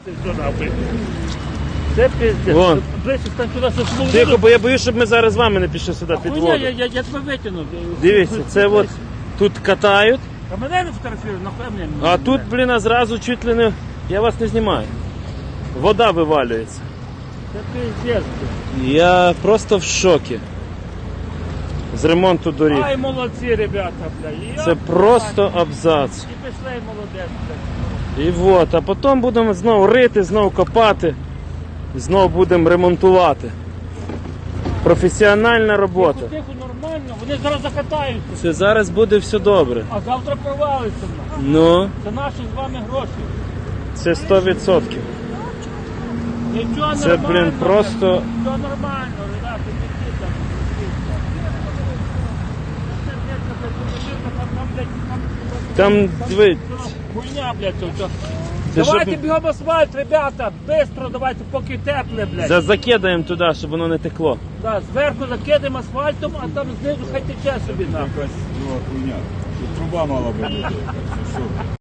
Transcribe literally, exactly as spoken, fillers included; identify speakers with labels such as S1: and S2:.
S1: ти що нахуй? Це пиздець.
S2: Вон.
S1: Ближче стань сюди, що смолу.
S2: Тихо, бо я боюсь, щоб ми зараз з вами не пішли сюди під
S1: Хуйня,
S2: воду.
S1: я, я, я тебе витягну.
S2: Дивіться, це от тут катають,
S1: А мене не фотографірують, нахуй мене.
S2: а тут, блін, а зразу чуть ли не... Я вас не знімаю. Вода вивалюється.
S1: Це пиздець.
S2: Я просто в шокі. З ремонту доріг.
S1: Ай, молодці, ребята, бля.
S2: Це просто абзац.
S1: І пішли, молодець, бля.
S2: І от, а потім будемо знову рити, знову копати, знову будемо ремонтувати. Професіональна робота.
S1: Тихо, тихо, нормально, вони зараз закатаються.
S2: Це зараз буде все добре.
S1: А завтра провалиться. нахуй.
S2: Ну,
S1: Це наші з вами гроші.
S2: це сто відсотків.
S1: Нічого
S2: Це,
S1: нормально.
S2: блін, просто-
S1: бля. Все нормально, ребята, не йдіть там.
S2: Там, диви,
S1: Хуйня, блядь, тут.
S2: Це
S1: Давайте
S2: щоб-
S1: бігом асфальт, ребята, бистро давайте, поки тепле, блядь.
S2: за- закидаємо туди, щоб воно не текло.
S1: Да, зверху закидаємо асфальтом, а там знизу хай тече собі нахуй.
S3: Якась друга хуйня. Тут труба мала би бути. Що?